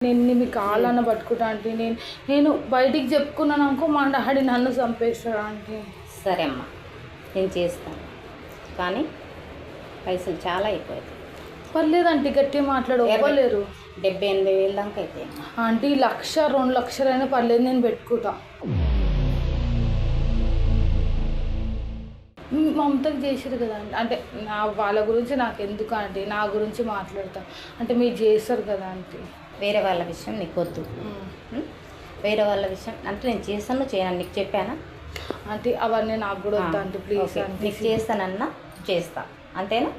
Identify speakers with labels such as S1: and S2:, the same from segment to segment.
S1: నేను మీ కాళ్ళన్న పట్టుకుంటా అంటే నేను బయటికి చెప్పుకున్నాను అనుకో మా డాడీ నన్ను చంపేస్తాడు అంటే.
S2: సరే అమ్మా, నేను చేస్తాను, కానీ పైసలు చాలా అయిపోయాయి.
S1: పర్లేదంటే గట్టిగా మాట్లాడు, ఇవ్వలేరు.
S2: 78,000 దాకా అయితే
S1: ఆంటీ 1,00,000 2 లక్షలైనా పర్లేదు, నేను పెట్టుకుంటా. మమతకు చేసారు కదా అంటే వాళ్ళ గురించి నాకు ఎందుకు అంటే నా గురించి మాట్లాడతా అంటే మీరు చేస్తారు కదా అంటే.
S2: వేరే వాళ్ళ విషయం నీకు వద్దు. వేరే వాళ్ళ విషయం అంటే నేను చేస్తాను చేయను నీకు చెప్పానా
S1: అంటే అవన్నీ నాకు కూడా వద్దా అంటే ప్లీజ్.
S2: నీకు చేస్తానన్నా చేస్తా, అంతేనా?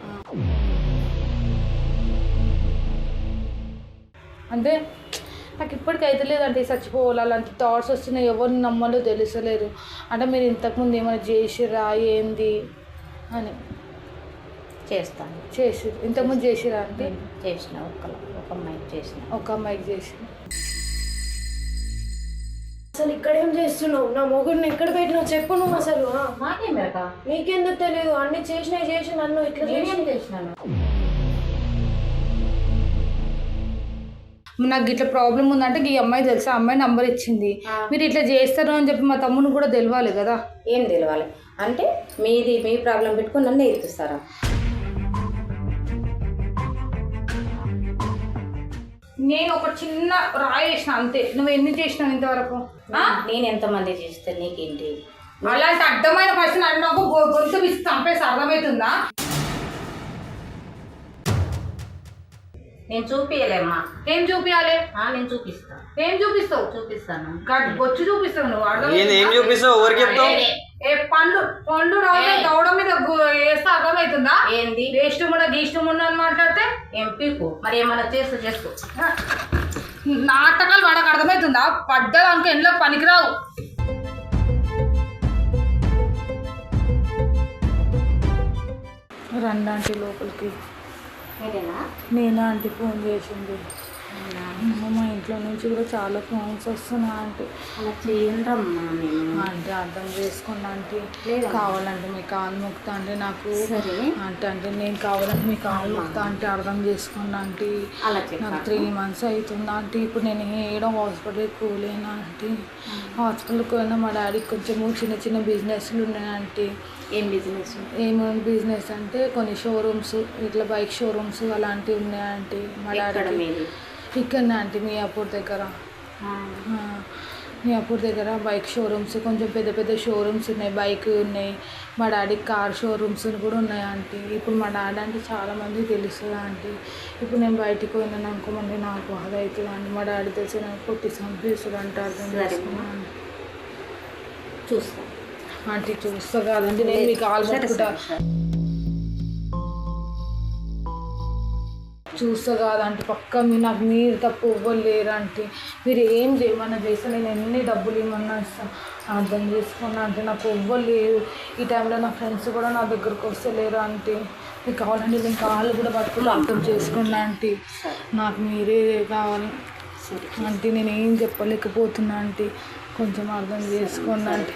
S1: అంటే నాకు ఇప్పటికైతే లేదంటే చచ్చిపోవాలి అలాంటి థాట్స్ వస్తున్నాయి, ఎవరిని నమ్మాలో తెలుసలేరు. అంటే మీరు ఇంతకుముందు ఏమైనా చేసిరా ఏంది అని.
S2: చేస్తాను.
S1: చేసిరు ఇంతకుముందు చేసిరా అంటే?
S2: చేసిన ఒక అమ్మాయికి చేసిన.
S1: ఒక అమ్మాయికి చేసిన.
S3: అసలు ఇక్కడేం చేస్తున్నావు? నా మొగుడిని ఎక్కడ పెట్టినావు చెప్పు నువ్వు. అసలు
S2: నాకేం పెడతా?
S3: నీకెందుకు తెలియదు? అన్ని చేసి నన్ను ఇట్లా
S2: చేసినాను.
S1: నాకు ఇట్లా ప్రాబ్లం ఉందంటే ఈ అమ్మాయి తెలుసా, అమ్మాయి నంబర్ ఇచ్చింది. మీరు ఇట్లా చేస్తారు అని చెప్పి మా తమ్ముని కూడా తెలియాలి కదా.
S2: ఏం తెలియాలి అంటే మీ ప్రాబ్లం పెట్టుకుని నన్ను ఎత్తిస్తారా?
S1: నేను ఒక చిన్న రాయి చేసిన అంతే, నువ్వు ఎన్ని చేసినావు ఇంతవరకు?
S2: నేను ఎంతమంది చేస్తే నీకేంటి?
S1: అలాంటి అర్థమైన పర్సన్ అన్నాకు గొంతు విసి చంపేసి అర్థమవుతుందా?
S2: నేను చూపియలేమ్మా.
S1: ఏం చూపించాలి?
S2: నేను చూపిస్తా.
S1: ఏం చూపిస్తావు?
S2: చూపిస్తాను.
S1: బొచ్చు చూపిస్తావు నువ్వు.
S4: ఏం చూపిస్తావు? ఎవరికి చెప్తావు?
S1: పండ్లు దవడ మీద వేస్తే అర్థమవుతుందా?
S2: ఏంది
S1: ఇష్టం అని మాట్లాడితే
S2: ఏం పీకు మరి ఏమన్నా చేసుకో.
S1: నాటకాలు వాడకు అర్థమవుతుందా? పడ్డదానికి ఎండ్లో పనికిరావు. రండి లోపలికి. నేనా ఆంటీ ఫోన్ చేసింది. మా ఇంట్లో నుంచి కూడా చాలా ఫోన్స్ వస్తున్నాయి ఆంటీ.
S2: అలా చేయండమ్మా.
S1: అంటే అర్థం చేసుకోండి ఆంటీ. కావాలంటే మీ కాలు మొక్తా అంటే నాకు అంటే నేను కావాలంటే మీ కాలు మొక్తా అంటే అర్థం చేసుకోండి ఆంటీ. నాకు 3 months అవుతుంది ఆంటీ. ఇప్పుడు నేను ఏడో హాస్పిటల్కి పోలేను ఆంటీ. హాస్పిటల్కి పోయినా మా డాడీకి కొంచెము చిన్న బిజినెస్లు ఉన్నాయి ఆంటీ.
S2: ఏం బిజినెస్?
S1: ఏమేమి బిజినెస్ అంటే కొన్ని షోరూమ్స్, ఇట్లా బైక్ షోరూమ్స్ అలాంటివి ఉన్నాయి ఆంటీ. మా డాడీ ఇక్కడనే ఆంటీ మియాపూర్ దగ్గర బైక్ షోరూమ్స్, కొంచెం పెద్ద షోరూమ్స్ ఉన్నాయి, బైక్ ఉన్నాయి. మా డాడీకి కార్ షోరూమ్స్ కూడా ఉన్నాయి ఆంటీ. ఇప్పుడు మా డాడీ అంటే చాలామంది తెలుస్తుంది ఆంటీ. ఇప్పుడు నేను బయటికి పోయినాను అనుకోమండి నాకు బాధ అవుతుంది అండి. మా డాడీ తెలిసి నాకు కొట్టి చంపేస్తుంది అంటే అర్థం చేసుకున్నాను.
S2: చూస్తా
S1: ఆంటీ. చూస్తా కాదండి, నేను మీకు కాల్ పట్టుకుంటా. చూస్తా కాదంటే పక్క నాకు మీరు తప్పు ఇవ్వలేరు అంటే. మీరు ఏం చేయమన్నా చేస్తే నేను ఎన్ని డబ్బులు ఇవ్వమన్నా ఇస్తాను. అర్థం చేసుకున్నా అంటే నాకు ఇవ్వలేరు. ఈ టైంలో నా ఫ్రెండ్స్ కూడా నా దగ్గరకు వస్తలేరు అంటే. మీకు కావాలంటే నేను కాళ్ళు కూడా పట్టుకుని అర్థం చేసుకున్నా అంటే. నాకు మీరే కావాలి అంటే. నేను ఏం చెప్పలేకపోతున్నా అంటే కొంచెం అర్థం చేసుకోండి అంటే.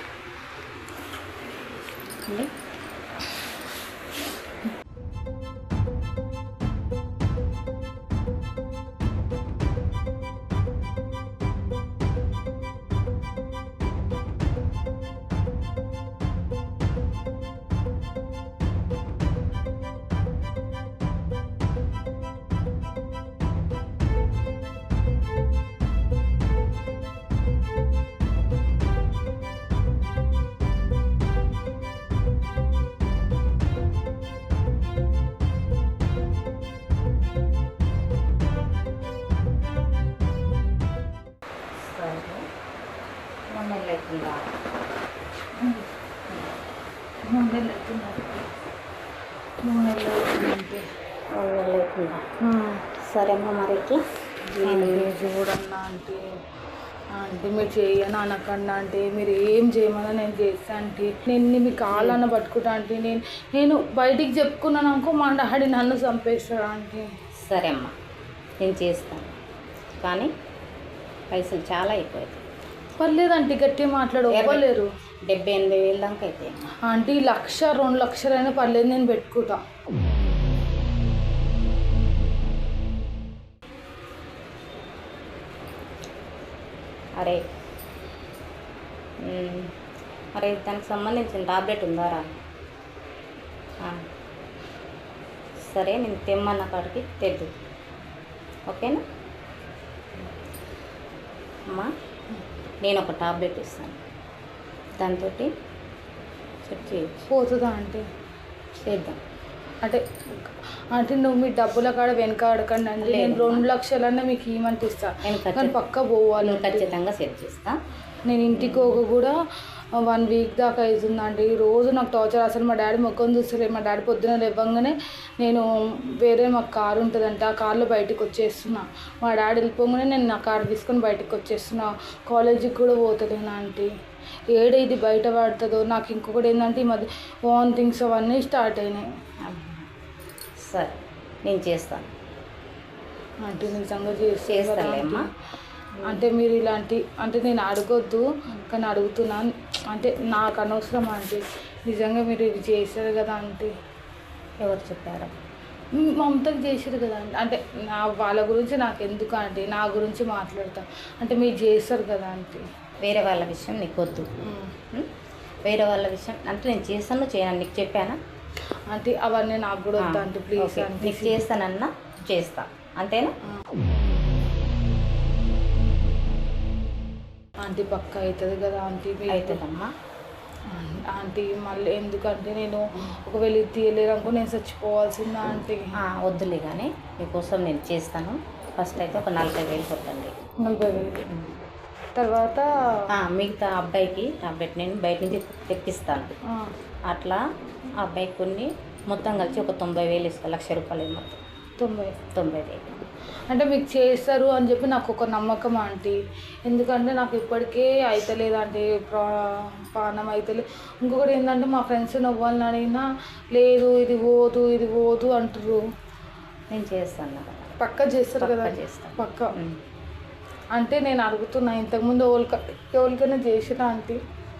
S2: సరే అమ్మ. మరి
S1: చూడన్నా అంటే అంటే మీరు చేయను అనకండి అంటే. మీరు ఏం చేయమన్నా నేను చేస్తాను అంటే. నేను మీ కాళ్ళన్న పట్టుకుంటా అంటే. నేను బయటికి చెప్పుకున్నాను అనుకో మా డాడీ నన్ను చంపేస్తాడు అంటే.
S2: సరే అమ్మా, నేను చేస్తాను, కానీ పైసలు చాలా అయిపోయాయి.
S1: పర్లేదంటే గట్టిగా మాట్లాడు, ఇవ్వలేరు.
S2: 78,000 దాకా అయితే
S1: ఆంటీ 1,00,000 2 లక్షలైనా పర్లేదు, నేను పెట్టుకుంటా.
S2: అరే మరి దానికి సంబంధించిన టాబ్లెట్ ఉందారా? సరే, నేను తెమ్మన్న కాడికి తెద్దు, ఓకేనా? అమ్మా, నేను ఒక టాబ్లెట్ ఇస్తాను, దాంతో సెట్ చేయొచ్చు.
S1: పోతుందా అంటే
S2: చేద్దాం.
S1: అంటే అంటే నువ్వు మీ డబ్బుల కాడ వెనక అడగండి అండి. నేను 2 లక్షలన్నా మీకు ఇవ్వమంటే ఇస్తాను, కానీ పక్క పోవాలి.
S2: ఖచ్చితంగా సెట్ చేస్తా.
S1: నేను ఇంటికి కూడా 1 వీక్ దాకా అవుతుందండి. రోజు నాకు టార్చర్. అసలు మా డాడీ మొక్కని చూస్తలేదు. మా డాడీ పొద్దున లేవగానే నేను వేరే మాకు కారు ఉంటుందంటే ఆ కార్లో బయటకు వచ్చేస్తున్నా. మా డాడీ వెళ్ళిపోగానే నేను నా కారు తీసుకొని బయటకు వచ్చేస్తున్నా. కాలేజీకి కూడా పోతలేను ఆంటీ. ఇది బయట పడుతుందో. నాకు ఇంకొకటి ఏంటంటే ఈ మధ్య వామిటింగ్స్ అవన్నీ స్టార్ట్ అయినాయి.
S2: సరే, నేను చేస్తాను
S1: ఆంటీ, నిజంగా
S2: చేస్తాలేమ్మా.
S1: అంటే మీరు ఇలాంటి అంటే నేను అడగొద్దు, కానీ అడుగుతున్నాను. అంటే నాకు అనవసరం ఆంటీ. నిజంగా మీరు ఇది చేశారు కదా ఆంటీ.
S2: ఎవరు చెప్పారు?
S1: మమతకి చేశారు కదా ఆంటీ. అంటే వాళ్ళ గురించి నాకు ఎందుకు ఆంటీ, నా గురించి మాట్లాడతా. అంటే మీరు చేస్తారు కదా ఆంటీ.
S2: వేరే వాళ్ళ విషయం నీకు వద్దు. వేరే వాళ్ళ విషయం అంటే నేను చేస్తాను చేయను నీకు చెప్పానా?
S1: అంటే అవన్నీ నాకు కూడా వద్దా ఆంటీ, ప్లీజ్ ఆంటీ.
S2: నీకు చేస్తానన్నా చేస్తా, అంతేనా?
S1: ఆంటీ పక్క అవుతుంది కదా ఆంటీ.
S2: అవుతుందమ్మా
S1: ఆంటీ. మళ్ళీ ఎందుకంటే నేను ఒకవేళ ఇది తీయలేరు అనుకో నేను చచ్చిపోవాల్సిందా ఆంటీ.
S2: వద్దులే కానీ మీకోసం నేను చేస్తాను. ఫస్ట్ అయితే ఒక 40,000 కొట్టండి.
S1: 40,000 తర్వాత
S2: మిగతా అబ్బాయికి టాబ్లెట్ నేను బయట నుంచి తెప్పిస్తాను. అట్లా ఆ అబ్బాయికి కొన్ని మొత్తం కలిసి ఒక 90,000 ఇస్తాను. 1,00,000 రూపాయలు మొత్తం 90,000.
S1: అంటే మీకు చేస్తారు అని చెప్పి నాకు ఒక నమ్మకం ఆంటీ. ఎందుకంటే నాకు ఇప్పటికే అవుతలేదు అంటే ప్రాణం అవుతలేదు. ఇంకొకటి ఏంటంటే మా ఫ్రెండ్స్ నవ్వాలని అడిగినా లేదు ఇది పోదు అంటారు.
S2: నేను చేస్తాను.
S1: పక్క చేస్తారు కదా?
S2: చేస్తాను
S1: పక్క. అంటే నేను అడుగుతున్నా, ఇంతకుముందు ఎవరికైనా చేసినా ఆంటీ?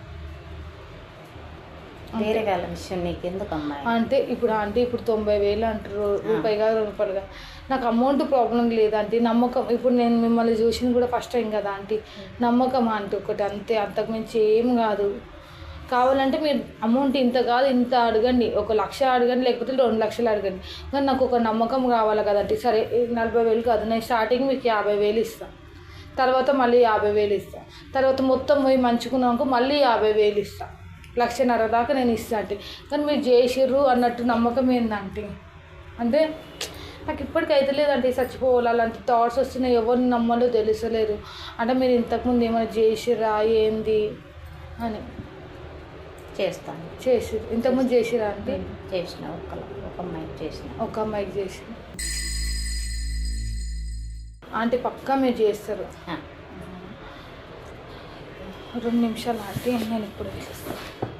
S2: వేరే వాళ్ళ విషయం నీకు ఎందుకు అమ్మాయి?
S1: అంటే ఇప్పుడు 90,000 అంటారు, రూపాయి కాదు రూపాయలుగా. నాకు అమౌంట్ ప్రాబ్లం లేదంటే నమ్మకం. ఇప్పుడు నేను మిమ్మల్ని చూసింది కూడా ఫస్ట్ టైం కదా ఆంటీ. నమ్మకం ఆంటీ ఒకటి అంతే, అంతకుమించి ఏం కాదు. కావాలంటే మీరు అమౌంట్ ఇంత కాదు ఇంత అడగండి, 1,00,000 అడగండి, లేకపోతే 2 లక్షలు అడగండి, కానీ నాకు ఒక నమ్మకం కావాలి కదండి. సరే 40,000 కాదు, నేను స్టార్టింగ్ మీకు 50,000 ఇస్తాను, తర్వాత మళ్ళీ 50,000 ఇస్తాను, తర్వాత మొత్తం పోయి మంచుకున్నాక మళ్ళీ 50,000 ఇస్తాను, 1,50,000 దాకా నేను ఇస్తాను అంటే. కానీ మీరు చేసిర్రు అన్నట్టు నమ్మకం ఏందంటే అంటే నాకు ఇప్పటికైతే లేదంటే చచ్చిపోవాలి అలాంటి థాట్స్ వస్తున్నాయి. ఎవరిని నమ్మాలో తెలుసలేరు. అంటే మీరు ఇంతకుముందు ఏమైనా చేసిర్రా ఏంది అని.
S2: చేస్తాను.
S1: చేసిర్రు ఇంతకుముందు చేసిరా అంటే?
S2: చేసిన ఒక అమ్మాయికి చేసిన.
S1: ఆంటీ పక్కా మీరు చేస్తారు. 2 నిమిషాలు ఆంటీ, నేను ఇప్పుడు చేస్తాను.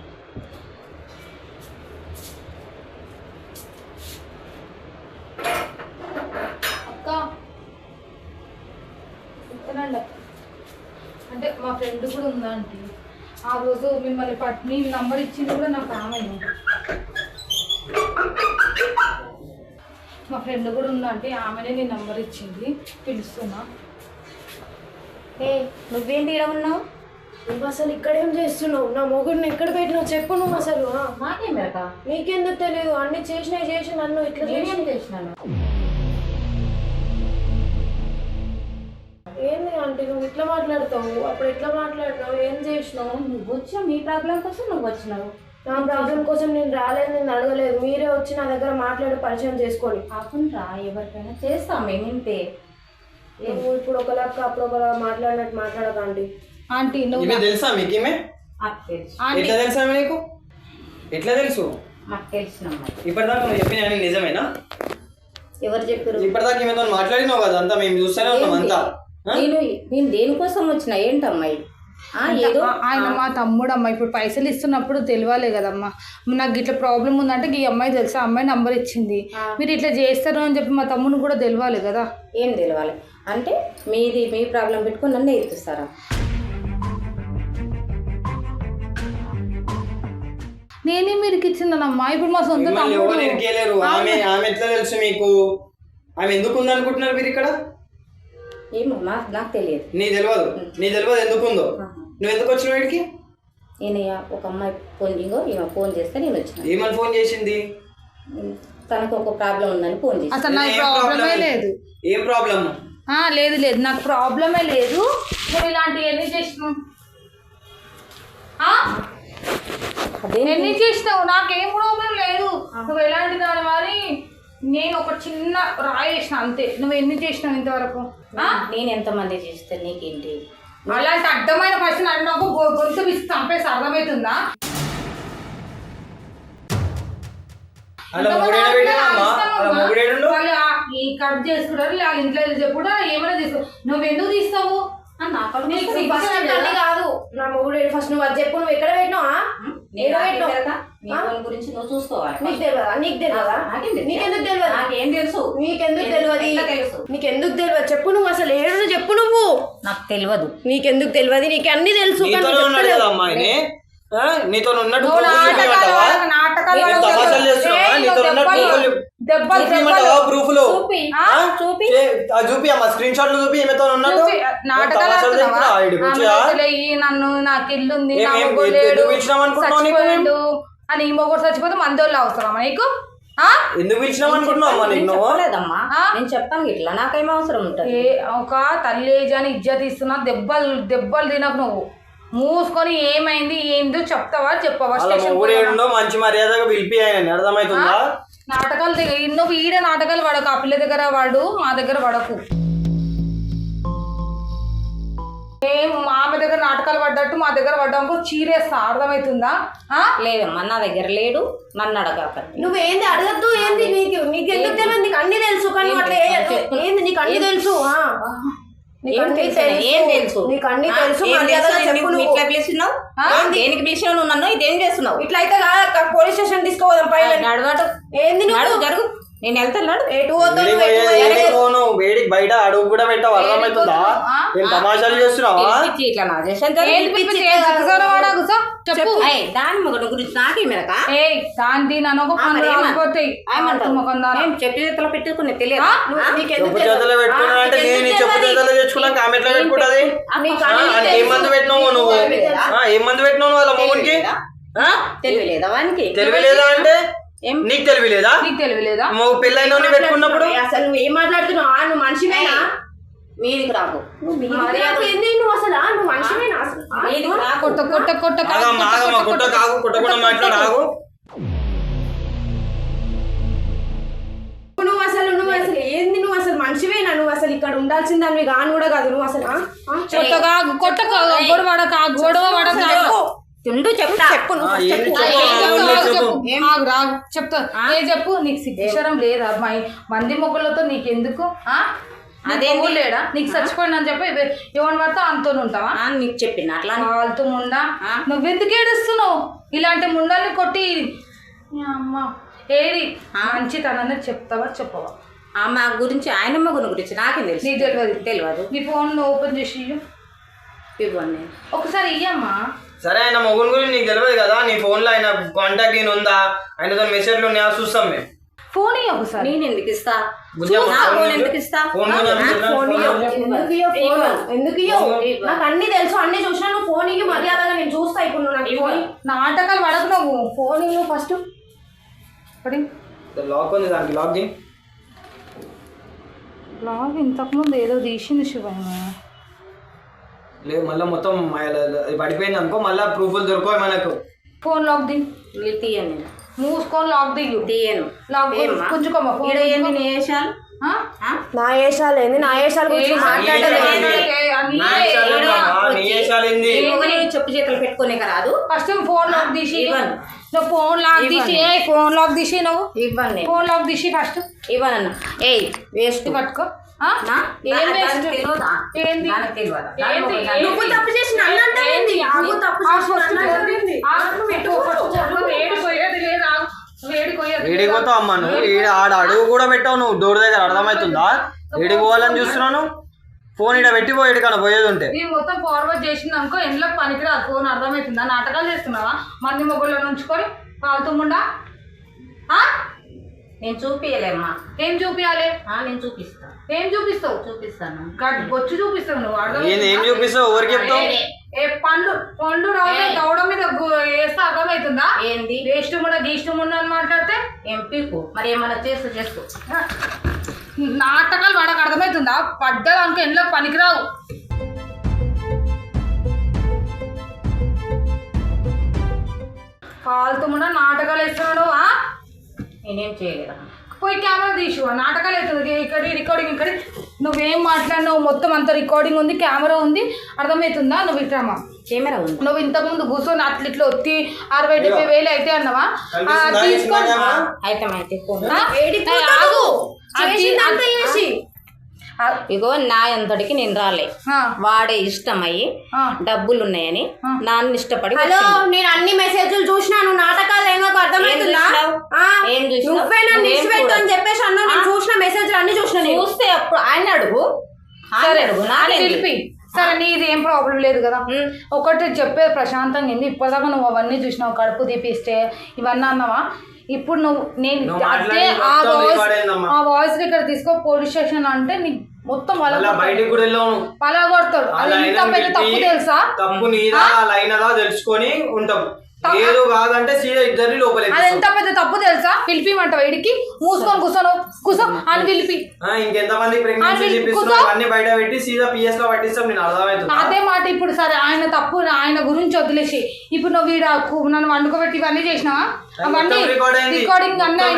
S1: అక్క చెప్తానండి. అంటే మా ఫ్రెండ్ కూడా ఉందా ఆంటీ. ఆ రోజు మిమ్మల్ని మీ నంబర్ ఇచ్చింది కూడా నాకు ఆమె. మా ఫ్రెండ్ కూడా ఉందా అంటే ఆమెనే నీ నంబర్ ఇచ్చింది, పిలుస్తున్నా.
S2: నువ్వేంటి ఇక్కడ ఉన్నావు?
S3: నువ్వు అసలు ఇక్కడేం చేస్తున్నావు? నా మొగుడిని ఎక్కడ పెట్టినావు చెప్పు. నువ్వు అసలు
S2: నాకేం మెరక?
S3: నీకెందుకు తెలియదు? అన్ని చేసి నన్ను ఇట్లా
S2: చేసినాను.
S3: ఏంది అంటే నువ్వు ఇట్లా మాట్లాడతావు? అప్పుడు ఎట్లా మాట్లాడినావు? ఏం చేసినావు?
S2: నువ్వు వచ్చావు, నీ ప్రాబ్లం కోసం నువ్వు వచ్చినావు.
S3: నా ప్రాబ్లం కోసం నేను రాలేదు, నేను అడగలేదు. మీరే వచ్చి నా దగ్గర మాట్లాడి పరిచయం చేసుకొని.
S2: కాకుండా ఎవరికైనా చేస్తాం మేము ఇంతే.
S3: నువ్వు ఇప్పుడు ఒకలాగా అప్పుడు ఒకలా మాట్లాడినట్టు మాట్లాడకండి.
S1: ఆంటీ నువ్వు
S4: తెలుసా మీకు? ఎట్లా తెలుసా మీకు? ఎట్లా తెలుసు?
S2: మాకు తెలిసిన
S4: ఇప్పటిదాకా నువ్వు చెప్పిన నిజమేనా?
S2: ఎవరు చెప్పారు?
S4: ఇప్పటిదాకా ఏమైనా మాట్లాడినావు కదా, అంతా మేము చూస్తూనే ఉన్నాం అంతా.
S2: నేను దేనికోసం వచ్చిన ఏంటమ్మాయి? ఏదో
S1: ఆయన మా తమ్ముడు అమ్మ. ఇప్పుడు పైసలు ఇస్తున్నప్పుడు తెలియాలి కదమ్మా. నాకు ఇట్లా ప్రాబ్లం ఉందంటే ఈ అమ్మాయి తెలుసా, అమ్మాయి నంబర్ ఇచ్చింది, మీరు ఇట్లా చేస్తారు అని చెప్పి మా తమ్ముడు కూడా తెలియాలి కదా.
S2: ఏం తెలియాలి అంటే మీ ప్రాబ్లం పెట్టుకొని నన్ను ఎత్తిస్తారా?
S1: నేనే మీరు ఇచ్చిందనమ్మా. ఇప్పుడు మా సొంత తమ్ముడు.
S4: ఆమె ఎట్లా తెలుసు మీకు? ఆమె ఎందుకు ఉందనుకుంటున్నారు మీరు ఇక్కడ?
S2: ఏమో నాకు తెలియదు.
S4: నీ తెలియదు ఎందుకుందో. నువ్వు ఎందుకు వచ్చినావు వీడికి?
S2: నేను ఒక అమ్మాయి ఈమె ఫోన్ చేస్తే నేను వచ్చిన.
S4: ఏమని ఫోన్ చేసింది?
S2: తనకు ఒక ప్రాబ్లం ఉందని ఫోన్ చేసి.
S1: అసలు నాకు ప్రాబ్లమే లేదు.
S4: ఏం ప్రాబ్లం?
S1: లేదు నాకు ప్రాబ్లమే లేదు. నువ్వు ఇలాంటివి ఎన్ని చేసినావు? ఎన్ని చేసినావు? నాకేం ప్రాబ్లం లేదు. నువ్వు ఎలాంటి దాని మరి నేను ఒక చిన్న రాయి వేసిన అంతే. నువ్వు ఎన్ని చేసినావు ఇంతవరకు?
S2: నేను ఎంతమంది చేస్తే నీకేంటి?
S1: అలాంటి అర్థమైన క్వశ్చన్ అడిగినాకు గొంతు విసి చంపేసి అర్థమవుతుందా? ఈ కట్ చేసుకుంటారు వాళ్ళ ఇంట్లో చెప్పుడు ఏమైనా తీసుకో. నువ్వు ఎందుకు తీస్తావు?
S3: కాదు నా మొగుడు ఫస్ట్ నువ్వు అది చెప్పు. నువ్వు ఎక్కడ పెట్టినావా?
S2: గురించి నువ్వు చూసుకోవాలి.
S3: నీకు తెలియదా? నీకెందుకు తెలియదు?
S2: నాకేం తెలుసు?
S3: నీకెందుకు తెలియదు? నీకెందుకు తెలియదు చెప్పు. నువ్వు అసలు ఏడు చెప్పు. నువ్వు
S2: నాకు తెలియదు.
S3: నీకెందుకు తెలియదు? నీకు అన్ని తెలుసు.
S4: నీతో ఉన్నట్టు చూపి అమ్మా స్క్రీన్ షాట్లు చూపి ఈమెతో ఉన్నట్టు
S1: నన్ను నాకు ఇల్లుంది చచ్చిపోయిండు అని ఈ మొగుడు చచ్చిపోతే మందోళ్ళు అవసరమా నీకు?
S4: ఎందుకు పిలిచినావు అనుకుంటున్నావు?
S2: లేదమ్మా నేను చెప్తాను ఇట్లా నాకేం అవసరం ఉంటుంది.
S1: ఒక తల్లి అని ఇజ్జత్ ఇస్తున్నా. దెబ్బలు తినకు. నువ్వు మూసుకొని ఏమైంది ఏందో చెప్తావా చెప్పవా?
S4: మంచి మర్యాదగా పిలిపి ఆయన అర్థమవుతుందా?
S1: నాటకాలు నువ్వు ఈడ నాటకాలు పడకు. ఆ పిల్ల దగ్గర వాడు మా దగ్గర పడకు. మేము ఆమె దగ్గర నాటకాలు పడ్డట్టు మా దగ్గర పడ్డాము చీరేస్తా. అర్థమవుతుందా?
S2: లేదమ్మా నా దగ్గర లేడు. నన్ను అడగాక.
S3: నువ్వేంది అడగద్దు. ఏంది నీకు ఎందుకు తెలియదు? నీకు అన్ని తెలుసు. కానీ అట్లా ఏంది నీకు అన్ని తెలుసు.
S2: దేనికి పిలిచినావు నువ్వు నన్ను? ఇదేం చేస్తున్నావు?
S3: ఇట్లయితే పోలీస్ స్టేషన్ తీసుకోవద్దాం. పైన ఏంది
S2: జరుగు. నేను వెళ్తున్నాడు.
S4: వేడికి బయట అడుగు కూడా పెట్టావు. అర్థమవుతుందా? నేను తమాషాలు చేస్తున్నావా?
S2: దాని మొగడు గురించి నాకేమేరక చెప్పు చేతిలో పెట్టుకుని తెలియదు.
S4: చెప్పు చేతిలో పెట్టుకున్నానంటే నేను చెప్పు చేతిలో తెచ్చుకున్నాక ఆమె ఎట్లా పెట్టుకుంటది? ఏం మందు పెట్టినావు నువ్వు? ఏం మందు పెట్టినావు వాళ్ళ మొగుడికి?
S2: తెలియలేదా వానికి?
S4: తెలియలేదా అంటే నీకు తెలియలేదా? పెళ్ళైన పెట్టుకున్నప్పుడు
S3: అసలు నువ్వు ఏం మాట్లాడుతున్నావు? నువ్వు మనిషివేనా?
S2: మీదికి రాకు.
S3: నువ్వు అసలు నువ్వు మనిషివేనా?
S4: మాట్లాడు.
S3: నువ్వు అసలు ఏంది? నువ్వు అసలు మనిషివేనా? నువ్వు అసలు ఇక్కడ ఉండాల్సిందాన్ని కాని కూడా కాదు. నువ్వు అసలు
S1: చెప్తా. చెప్పు. నీకు సిగ్గురం లేదా? మంది మొగ్గులతో నీకెందుకు? అదే లేడా? నీకు చచ్చిపోయినా అని చెప్పి ఎవరిని పడితే అంతో ఉంటావా?
S2: నీకు చెప్పిన అట్లా
S1: వాళ్ళతో ముండా. నువ్వెందుకు ఏడుస్తున్నావు? ఇలాంటి ముండల్ని కొట్టి అమ్మ ఏది మంచితనాన్ని చెప్తావా చెప్పవా?
S2: ఆమె గురించి ఆయన మొగుని గురించి నాకేం తెలుసు?
S1: నీకు తెలియదు. నీ ఫోన్ ఓపెన్ చేసి
S2: ఇవ్వండి
S1: ఒకసారి. ఇయ్యమ్మా.
S4: సరే ఆయన మొగుని గురించి నీకు తెలియదు కదా? నీ ఫోన్లో ఆయన కాంటాక్ట్ నేను ఉందా? ఆయనతో మెసేజ్లు ఉన్నాయా చూస్తాం మేము.
S1: ఫోన్ ఇయ్య ఒకసారి.
S2: నేను ఎందుకు ఇస్తా?
S3: ఎందుకు నాకు అన్ని తెలుసు. అన్ని చూసినా నువ్వు ఫోన్ ఇయ్యి మర్యాదగా నేను చూస్తా. ఇప్పుడు నువ్వు
S1: నాటకాలు పడకు. నువ్వు ఫోన్ ఇవ్వు ఫస్ట్.
S4: లాక్ ఉంది దానికి.
S1: లాగ్ ఇంతకుముందు ఏదో తీసింది శివయ్య.
S4: లేదు మళ్ళీ మొత్తం పడిపోయింది అనుకో. మళ్ళీ ప్రూఫ్లు దొరకవు మనకు.
S1: ఫోన్ లాక్ ది.
S2: తీయండి.
S1: మూసుకొని లాక్ దిగు.
S2: తీయను.
S1: లాక్ కొంచెం
S3: నా ఏషాలు ఏంది? నా ఏషాల గురించి
S2: చెప్పు చేతులు పెట్టుకునే రాదు.
S1: ఫస్ట్ ఫోన్ లాక్ తీసి నువ్వు ఫోన్ లాక్ తీసి నువ్వు
S2: ఇవ్వండి.
S1: ఫోన్ లాక్ తీసి ఫస్ట్
S2: ఇవ్వను. వేస్ట్
S1: పట్టుకో.
S3: నువ్వు తప్పు చేసిన
S4: ఏడిపోతావు అమ్మా నువ్వు? ఆడ అడుగు కూడా పెట్టావు నువ్వు డోర్ దగ్గర. అర్థమవుతుందా? ఏడికి పోవాలని చూస్తున్నాను. ఫోన్ ఇక్కడ పెట్టిపోయేది కానీ పోయేది ఉంటే
S1: నేను మొత్తం ఫార్వర్డ్ చేసింది అనుకో. ఎండ్లో పనికిరాదు ఫోన్. అర్థమవుతుందా? నాటకాలు చేస్తున్నావా? మంది మొగ్గుల్లో ఉంచుకొని పాలుతుముండా.
S2: నేను చూపియలేమ్మా.
S1: ఏం చూపియాలి?
S2: నేను చూపిస్తా.
S1: ఏం చూపిస్తావు?
S2: చూపిస్తాను.
S1: బొచ్చు చూపిస్తావు నువ్వు.
S4: ఏం చూపిస్తావు? ఎవరికి చెప్తావు?
S1: పండ్లు దౌడ మీద వేస్తే అర్థమవుతుందా?
S2: ఏంది
S1: ఇష్టం కూడా గీష్టం ఉండ అని మాట్లాడితే
S2: ఏం పీకు. మరి ఏమన్నా చేసుకో.
S1: నాటకాలు వాడకు అర్థమవుతుందా? పడ్డదానికి ఎండ్లో పనికిరావు. ఫాల్తు కూడా నాటకాలు వేస్తున్నాడు.
S2: నేనేం చేయలేదా?
S1: పోయి కెమెరా తీసు. నాటకాలు అవుతుంది ఇక్కడ రికార్డింగ్. ఇక్కడ నువ్వేం మాట్లాడినావు మొత్తం అంత రికార్డింగ్ ఉంది, కెమెరా ఉంది, అర్థమవుతుందా? నువ్వు ఇట్రామా
S2: కెమెరా ఉంది.
S1: నువ్వు ఇంతకుముందు కూర్చొని అట్లా ఇట్లా ఒత్తి 60-70 అయితే అన్నావా? తీసుకోండి.
S2: ఇగో నా అంతటికి నేను రాలే, వాడే ఇష్టమయ్యి డబ్బులు ఉన్నాయని నాన్న ఇష్టపడి.
S3: హలో, నేను అన్ని మెసేజ్లు చూసినాను. నాటకాలు ఏమో అర్థమవుతుందా? నువ్వే నన్ను ఇష్టపెట్టు అని చెప్పేసి అన్నా. నేను చూసిన మెసేజ్లు అన్ని చూసిన.
S2: చూస్తే అప్పుడు ఆయన అడుగు.
S1: సరే పిలిపి. సరే నీది ఏం ప్రాబ్లం లేదు కదా. ఒకటి చెప్పేది ప్రశాంతంగా ఏంది. ఇప్పటిదాకా నువ్వు అవన్నీ చూసినావు, కడుపు తీపిస్తే ఇవన్నీ అన్నావా? ఇప్పుడు నేను అదే ఆ వాయిస్ ఇక్కడ తీసుకో పోలీస్ స్టేషన్ అంటే నీకు మొత్తం పలగొడతాడు. అది ఎంత పెద్ద తప్పు తెలుసా?
S4: తప్పు నీదా లైనదా తెలుసుకొని ఉంటాం. లేదు కాదంటే సీదా ఇద్దరిని లోపలే.
S1: అది ఎంత పెద్ద తప్పు తెలుసా? పిలిపిమంటావు ఇడికి. మూసుకొని కూర్చో అని పిలిపి.
S4: ఇంకెంతమంది అన్ని బయట పెట్టి సీదా పిఎస్ లో పట్టిస్తాం. నేను అర్థమవుతుంది
S1: అదే మాట. ఇప్పుడు సరే ఆయన తప్పు, ఆయన గురించి వదిలేసి ఇప్పుడు నువ్వు వీడ నన్ను వండుకోబెట్టి ఇవన్నీ చేసినావా? అవన్నీ రికార్డింగ్ అన్నీ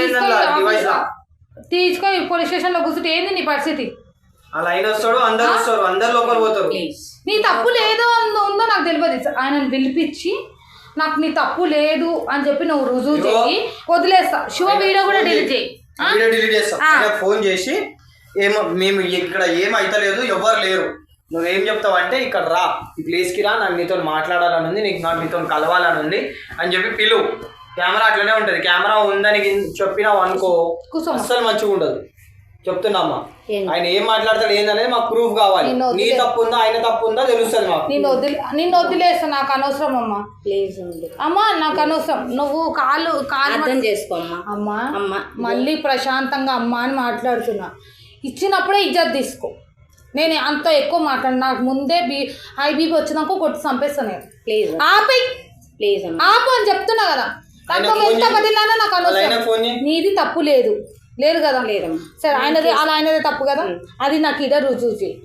S1: తీసుకో పోలీస్ స్టేషన్ లో కూర్చుంటే ఏంది నీ పరిస్థితి?
S4: అలా ఆయన వస్తాడు, అందరు వస్తారు, అందరు లోపల పోతారు.
S1: నీ తప్పు లేదో ఉందో నాకు తెలియదు. ఆయనను పిలిపించి నాకు నీ తప్పు లేదు అని చెప్పి నువ్వు రుజువు చేయి, వదిలేస్తా. శివ వీడియో కూడా డిలీట్ చేయి.
S4: వీడియో డిలీట్ చేస్తా. ఫోన్ చేసి ఏమో మేము ఇక్కడ ఏం అయితలేదు, ఎవ్వరు లేరు, నువ్వేం చెప్తావు అంటే ఇక్కడ రా, ఈ ప్లేస్కి రా, నాకు నీతో మాట్లాడాలని ఉంది, నాకు నీతో కలవాలని ఉంది అని చెప్పి పిలువు. కెమెరా అట్లనే ఉంటుంది. కెమెరా ఉందని చెప్పినావు అనుకో అస్సలు మంచిగా ఉండదు. చెప్తున్నామ్మా, ఆయన ఏం మాట్లాడతాడు ఏందనేది మాకు ప్రూఫ్ కావాలి. నీ తప్పు ఉందా ఆయన తప్పు ఉందా తెలుస్తుంది మాకు.
S1: నిన్ను వదిలేస్తా. నాకు అనవసరం అమ్మా.
S2: ప్లీజ్
S1: అమ్మా, నాకు అనవసరం. నువ్వు కాలు
S2: అర్థం చేసుకోమ్మా.
S1: అమ్మా మళ్ళీ ప్రశాంతంగా అమ్మా అని మాట్లాడుతున్నా. ఇచ్చినప్పుడే ఇజ్జత్ తీసుకో. నేను అంత ఎక్కువ మాట్లాడు. నాకు ముందే హై బీపీ వచ్చినాక కొట్టి చంపేస్తాను నేను.
S2: ప్లీజ్ ప్లీజ్
S1: ఆపు అని చెప్తున్నా కదా. ఎంత బదిలానా నాకు అనవసరం. నీది తప్పు లేదు కదా. సరే ఆయనది అలా ఆయనదే తప్పు కదా. అది నాకు ఇడ రుజువు చేయి.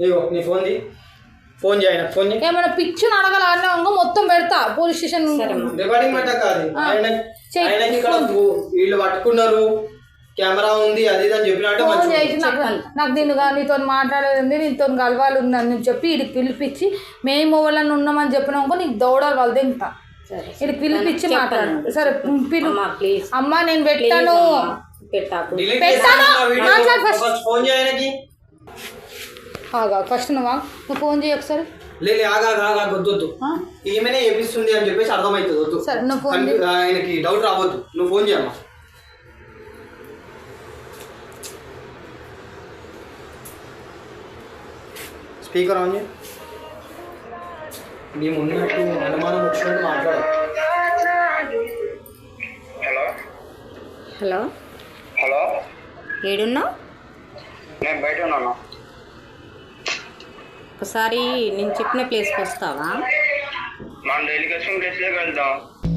S1: ఏమైనా పిచ్చుని అడగాలన్నా మొత్తం పెడతా పోలీస్ స్టేషన్.
S4: వీళ్ళు పట్టుకున్నారు, కెమెరా ఉంది, అది అని చెప్పినట్టు
S1: నాకు నీతో మాట్లాడేది, నీతో కలవాలి ఉందని చెప్పి వీడికి పిలిపించి మేము వాళ్ళని ఉన్నామని చెప్పినాక నీకు దౌడాలి వాళ్ళు తింటా. ఇది పిలిపించి మాట్లాడు. సరే పిలు. అమ్మా నేను పెట్టాను. ఫస్ట్ నువ్వు ఫోన్ చేయి ఒకసారి.
S4: లేదు ఈమెనే ఏపిస్తుంది అని చెప్పేసి అర్థమవుతుంది.
S1: సరే నువ్వు ఫోన్
S4: ఆయనకి డౌట్ రావద్దు. నువ్వు ఫోన్ చేయమ్మా. స్పీకర్ ఆన్ చేయి. మేము ఉన్నట్టు అనుమానం వచ్చినట్టు మాట్లాడు.
S2: హలో హలో ఏడున్నావు?
S5: నేను బయట ఉన్నాను.
S2: ఒకసారి నేను చెప్పిన ప్లేస్కి వస్తావా?
S5: మనం డైలీ కస్టమ్ ప్లేస్లోకి వెళ్దాం.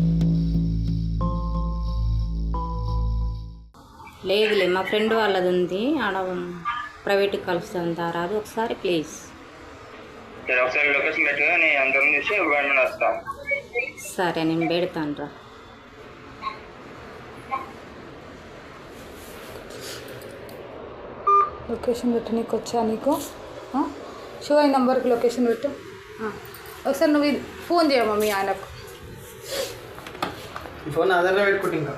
S2: లేదులే, మా ఫ్రెండ్ వాళ్ళది ఉంది, ఆడ ప్రైవేట్కి కలుస్తుందా, రాదు ఒకసారి ప్లీజ్.
S5: ఒకసారి లొకేషన్ పెట్టుగా నేను అందరం చూసి వెంటనే వస్తాను.
S2: సరే నేను పెడతాను రా.
S1: లొకేషన్ పెట్టు. నీకు వచ్చా? నీకు షో ఈ నెంబర్కి లొకేషన్ పెట్టు. ఒకసారి నువ్వు ఫోన్ చేయమ్మా మీ ఆయనకు.
S4: ఫోన్ ఆధార్లో పెట్టుకుంటే ఇంకా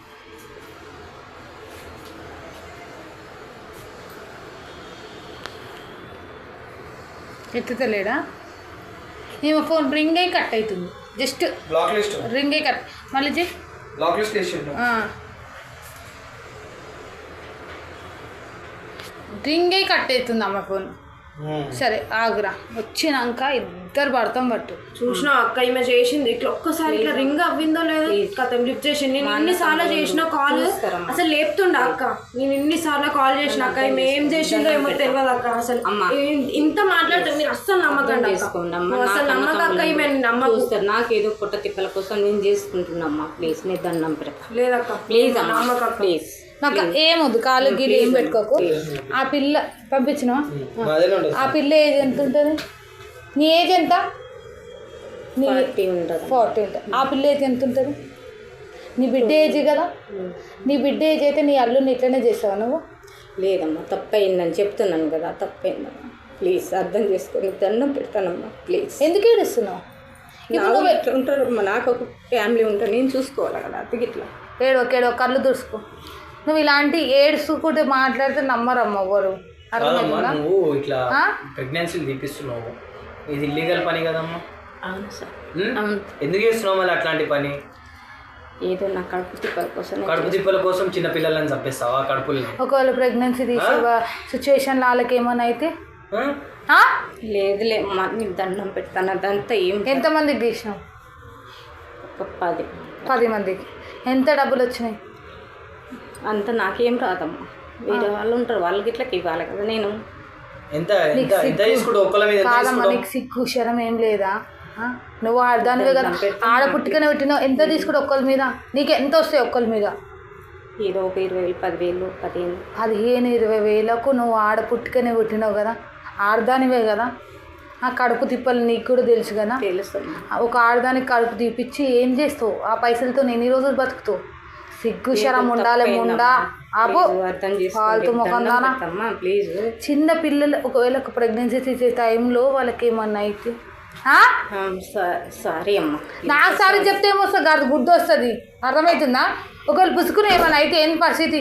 S1: ఎత్తుతలేడా? ఏమో ఫోన్ రింగ్ అయి కట్ అవుతుంది. జస్ట్
S4: బ్లాక్ లిస్ట్
S1: రింగ్ అయి కట్. మళ్ళీ చెయ్యి.
S4: బ్లాక్ లిస్ట్ వేసిండు.
S1: రింగ్ అయి కట్ అవుతుంది అమ్మ ఫోన్. సరే ఆగురా, వచ్చినాక ఇద్దరు పడతాం పట్టు.
S3: చూసినా అక్క ఈమె చేసింది ఇట్లా ఒక్కసారి ఇట్లా రింగ్ అవ్విందో లేదో కథం లిఫ్ట్ చేసింది. నేను ఇన్నిసార్లు చేసిన కాల్ అసలు లేపుతుండ అక్క. నేను ఇన్నిసార్లు కాల్ చేసిన అక్క ఈమె ఏం చేసిందో ఏమో తెలియదు అక్క. అసలు ఇంత మాట్లాడుతుంది మీరు అస్సలు నమ్మకండి అసలు నమ్మక అక్క ఈమె
S2: నమ్మకూస్తారు. నాకేదో పుట్ట తిప్పల కోసం నేను చేసుకుంటున్నామ్మా. ప్లీజ్ నీ దండం పెడతా.
S3: లేదక్క
S2: ప్లీజ్ అమ్మా,
S3: నమ్మక
S2: ప్లీజ్.
S1: నాకు ఏమొద్దు, కాలు గీలు ఏం పెట్టుకోకు. ఆ పిల్ల పంపించినావా? ఆ పిల్ల ఏజ్ ఎంత ఉంటుంది? నీ ఏజ్ ఎంత? నీ
S2: 40 ఉంటుంది.
S1: 40 ఉంటుంది. ఆ పిల్ల ఏజ్ ఎంత ఉంటుంది? నీ బిడ్డ ఏజ్ కదా. నీ బిడ్డ ఏజ్ అయితే నీ అల్లుని ఇట్లనే చేసావా నువ్వు?
S2: లేదమ్మా, తప్పయిందని చెప్తున్నాను కదా, తప్పయిందమ్మా. ప్లీజ్ అర్థం చేసుకొని దండం పెడతానమ్మా. ప్లీజ్.
S1: ఎందుకు ఏడుస్తున్నావు?
S2: ఇప్పుడు ఎట్లా ఉంటారమ్మా, నాకు ఒక ఫ్యామిలీ ఉంటుంది, నేను చూసుకోవాలి కదా. అతికి ఇట్లా
S1: ఏడో కళ్ళు దుడుచుకో. నువ్వు ఇలాంటి ఏడుచుకుంటే మాట్లాడితే నమ్మరమ్మ ఎవరు. అర్థమవుతుందా?
S4: నువ్వు ఇట్లా ప్రెగ్నెన్సీలు తీపిస్తున్నావు, ఇది ఇల్లీగల్ పని కదమ్మా.
S2: అవును సార్.
S4: ఎందుకు చేస్తున్నావు మళ్ళీ అట్లాంటి పని?
S2: ఏదో నా కడుపు తిప్పల కోసం.
S4: కడుపు తిప్పల కోసం చిన్న పిల్లలని చంపేస్తావా? కడుపులు
S1: ఒకవేళ ప్రెగ్నెన్సీ తీసే సిచ్యువేషన్ వాళ్ళకి ఏమైనా అయితే?
S2: లేదులే అమ్మా, నీకు దండం పెడతాను. అదంతా ఏం.
S1: ఎంతమందికి తీసినావు?
S2: ఒక
S1: 10 మందికి. ఎంత డబ్బులు వచ్చినాయి?
S2: అంత నాకేం రాదమ్మా, వేరే వాళ్ళు ఉంటారు, వాళ్ళకి ఇట్లా ఇవ్వాలి కదా. నేను
S4: ఎంత తీసుకుంటూ ఒక్కల మీద
S1: కాదమ్మా, నీకు సిగ్గు శరం ఏం లేదా? నువ్వు ఆడదానివే కదా, ఆడ పుట్టుకనే పెట్టినావు. ఎంత తీసుకుంటే ఒక్కల మీద? నీకు ఎంత వస్తాయి ఒక్కల మీద?
S2: ఏదో ఒక 20,000, 10,000, 15,000.
S1: 15,000-20,000కు నువ్వు ఆడ పుట్టుకనే పుట్టినావు కదా, ఆడదానివే కదా. ఆ కడుపు తిప్పలు నీకు కూడా తెలుసు కదా.
S2: తెలుస్తుంది.
S1: ఒక ఆడదానికి కడుపు తీపిచ్చి ఏం చేస్తావు? ఆ పైసలతో ఎన్ని రోజులు బతుకుతావు? సిగ్గు శరం ఉండాలి ముండా. ఆపో ఫాల్తు ముఖందానా.
S2: ప్లీజ్.
S1: చిన్న పిల్లలు ఒకవేళ ప్రెగ్నెన్సీ తీసే టైంలో వాళ్ళకి ఏమన్నా అయితే
S2: సారీ అమ్మా.
S1: నాకు సారీ చెప్తే ఏమొస్తుంది? కాదు గుడ్డు వస్తుంది. అర్థమవుతుందా? ఒకవేళ పుసుకుని ఏమన్నా అయితే ఏం పరిస్థితి?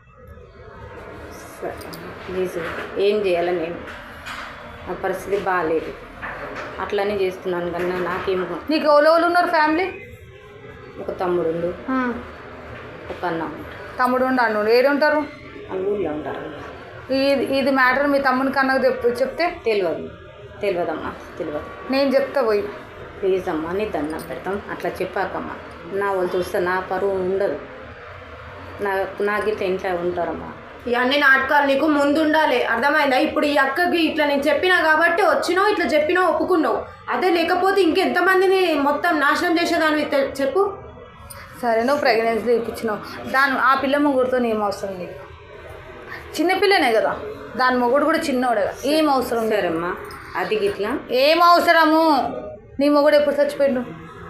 S2: ప్లీజ్, ఏం చేయాలి నేను? నా పరిస్థితి బాగాలేదు, అట్లనే చేస్తున్నాను కన్నా నాకేమో.
S1: నీకు ఎవరు ఉన్నారు ఫ్యామిలీ?
S2: ఒక తమ్ముడు, ఒక అన్న.
S1: తమ్ముడు అన్ను ఏడుంటారు?
S2: ఊళ్ళో ఉంటారు.
S1: ఇది మ్యాటర్ మీ తమ్మునికి అన్నకు చెప్తే
S2: తెలియదమ్మా, తెలియదు.
S1: నేను చెప్తా పోయి.
S2: ప్లీజ్ అమ్మా, నీ దండం పెడతాం. అట్లా చెప్పాకమ్మా, నా వాళ్ళు చూస్తే నా పరువు ఉండదు. నాకు ఇట్లా ఇంట్లో ఉంటారమ్మా.
S3: ఇవన్నీ నాటకాలు నీకు ముందు ఉండాలి, అర్థమైందా? ఇప్పుడు ఈ అక్కకి ఇట్లా నేను చెప్పినా కాబట్టి వచ్చినావు, ఇట్లా చెప్పినావు, ఒప్పుకున్నావు. అదే లేకపోతే ఇంకెంతమందిని మొత్తం నాశనం చేసేదాన్ని చెప్పు.
S1: సరే, నువ్వు ప్రెగ్నెన్సీ ఇప్పించినావు, ఆ పిల్ల మొగుడుతో ఏం అవసరం నీకు? చిన్నపిల్లనే కదా, దాని మొగుడు కూడా చిన్నోడే కదా, ఏం అవసరం?
S2: సరేమ్మా, అది ఇట్లా
S1: ఏం అవసరము? నీ మొగుడు ఎప్పుడు చచ్చిపోయిండు?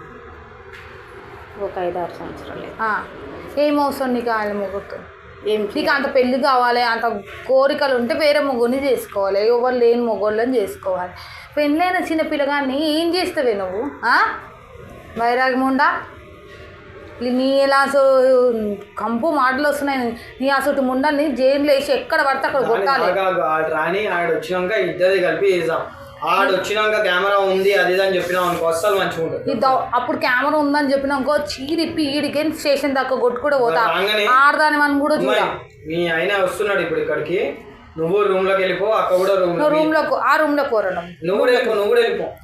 S2: ఒక 5-6 సంవత్సరాలు.
S1: ఏం అవసరం నీకు ఆయన మొగుడుతో?
S2: ఏం
S1: నీకు అంత పెళ్ళి కావాలి, అంత కోరికలు ఉంటే వేరే మొగ్గుని చేసుకోవాలి, ఎవరు లేని మొగోళ్ళని చేసుకోవాలి. పెళ్ళైన చిన్నపిల్లగాన్ని ఏం చేస్తావే నువ్వు? వైరాగ్యం ఉండా? నీ ఇలా కంపు మాటలు వస్తున్నాయి. నీ అసలు ముండని జైలు వేసి ఎక్కడ పడితే అక్కడ కొట్టాలి.
S4: రాని ఆడ వచ్చినాక ఇద్దరు కలిపి వేసాం. ఆడ వచ్చినాక కెమెరా ఉంది అది అని చెప్పినాం అనుకో, అస్సలు మంచిగా ఉంటుంది.
S1: అప్పుడు కెమెరా ఉందని చెప్పినాకో చీరిప్పి ఈడికి స్టేషన్ దాకా కొట్టు కూడా పోతా. ఆడదాని మనం కూడా చూడాలి.
S4: మీ ఆయన వస్తున్నాడు ఇప్పుడు ఇక్కడికి, నువ్వు రూమ్ లోకి వెళ్ళిపో, అక్క కూడా రూమ్ లో,
S1: ఆ రూమ్ లో కోరడం.
S4: నువ్వు కూడా వెళ్ళిపో.